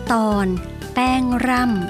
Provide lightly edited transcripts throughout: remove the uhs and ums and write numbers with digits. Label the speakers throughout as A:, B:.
A: ตอนแป้งร่ำ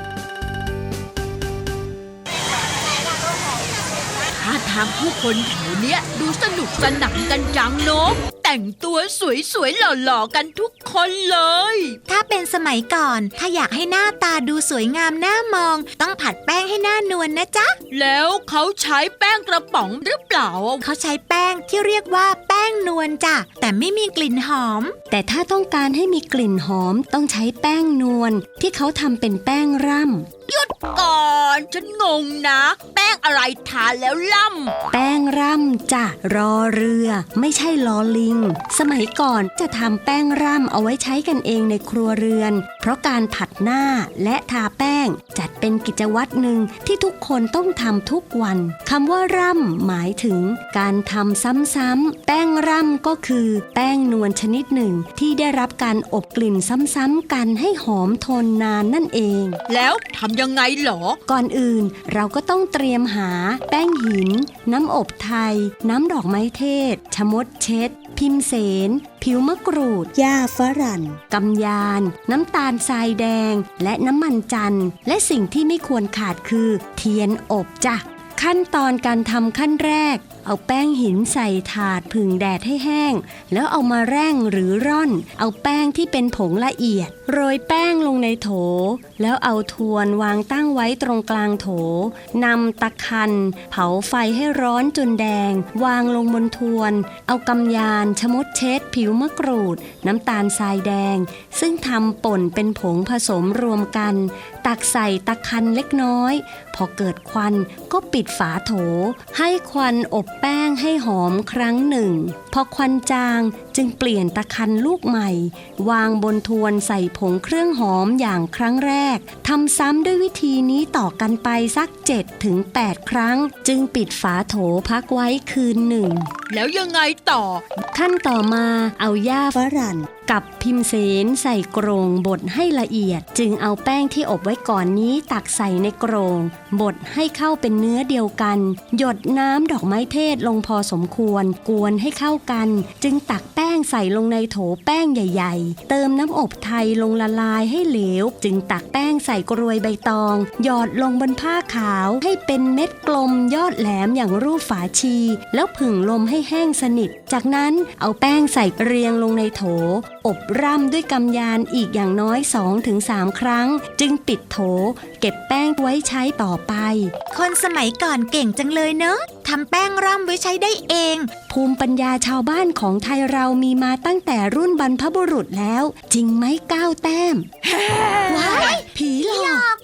B: ท่าทางผู้คนแถวเนี้ยดูสนุกสนานกันจังเนาะแต่งตัวสวยๆหล่อๆกันทุกคนเลย
C: ถ้าเป็นสมัยก่อนถ้าอยากให้หน้าตาดูสวยงามน่ามองต้องผัดแป้งให้หน้านวลนะจ๊ะ
B: แล้วเขาใช้แป้งกระป๋องหรือเปล่า
C: เขาใช้แป้งที่เรียกว่าแป้งนวลจ้ะแต่ไม่มีกลิ่นหอม
A: แต่ถ้าต้องการให้มีกลิ่นหอมต้องใช้แป้งนวลที่เขาทำเป็นแป้งร่ำ
B: หยุดก่อนฉันงงนะแป้งอะไรทาแล้วล่ำ
A: แป้งร่ำจ้ะรอเรือไม่ใช่ลอลิงสมัยก่อนจะทำแป้งร่ำเอาไว้ใช้กันเองในครัวเรือนเพราะการผัดหน้าและทาแป้งจัดเป็นกิจวัตรหนึ่งที่ทุกคนต้องทำทุกวันคำว่าร่ำหมายถึงการทำซ้ำๆแป้งร่ำก็คือแป้งนวลชนิดหนึ่งที่ได้รับการอบกลิ่นซ้ำๆกันให้หอมทนนานนั่นเอง
B: แล้วทำยังไงหรอ
A: ก่อนอื่นเราก็ต้องเตรียมหาแป้งหินน้ำอบไทยน้ำดอกไม้เทศชะมดเช็ดพิมเสนผิวมะกรูดหญ้าฝรั่งกำยานน้ำตาลทรายแดงและน้ำมันจันทร์และสิ่งที่ไม่ควรขาดคือเทียนอบจ้ะขั้นตอนการทำขั้นแรกเอาแป้งหินใส่ถาดผึ่งแดดให้แห้งแล้วเอามาแร่งหรือร่อนเอาแป้งที่เป็นผงละเอียดโรยแป้งลงในโถแล้วเอาทวนวางตั้งไว้ตรงกลางโถนำตะคันเผาไฟให้ร้อนจนแดงวางลงบนทวนเอากำยานชะมดเช็ดผิวมะกรูดน้ำตาลทรายแดงซึ่งทำป่นเป็นผงผสมรวมกันตักใส่ตะคันเล็กน้อยพอเกิดควันก็ปิดฝาโถให้ควันอบแป้งให้หอมครั้งหนึ่งพอควันจางจึงเปลี่ยนตะคันลูกใหม่วางบนทวนใส่ผงเครื่องหอมอย่างครั้งแรกทำซ้ำด้วยวิธีนี้ต่อกันไปสัก 7-8 ครั้งจึงปิดฝาโถพักไว้คืนหนึ่ง
B: แล้วยังไงต่อ
A: ขั้นต่อมาเอาหญ้าฝรั่งกับพิมเสนใส่กรงบดให้ละเอียดจึงเอาแป้งที่อบไว้ก่อนนี้ตักใส่ในกรงบดให้เข้าเป็นเนื้อเดียวกันหยดน้ำดอกไม้เทศลงพอสมควรกวนให้เข้ากันจึงตักแป้งใส่ลงในโถแป้งใหญ่ๆเติมน้ำอบไทยลงละลายให้เหลวจึงตักแป้งใส่กรวยใบตองหยอดลงบนผ้าขาวให้เป็นเม็ดกลมยอดแหลมอย่างรูปฝาชีแล้วผึ่งลมให้แห้งสนิทจากนั้นเอาแป้งใส่เรียงลงในโถอบร่ำด้วยกำยานอีกอย่างน้อย 2-3 ครั้งจึงปิดโถเก็บแป้งไว้ใช้ต่อไป
C: คนสมัยก่อนเก่งจังเลยเนอะทำแป้งร่ำไว้ใช้ได้เอง
A: ภูมิปัญญาชาวบ้านของไทยเรามีมาตั้งแต่รุ่นบรรพบุรุษแล้วจริงไหม9 แต้มว้ายผีหลอก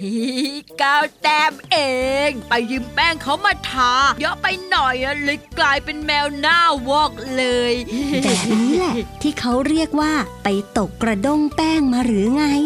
B: 9 แต้มเองไปยืมแป้งเขามาทาเยอะไปหน่อยเลยกลายเป็นแมวหน้าวอกเลย
A: แบบนี้แหละที่เขาเรียกว่าไปตกกระด้งแป้งมาหรือไง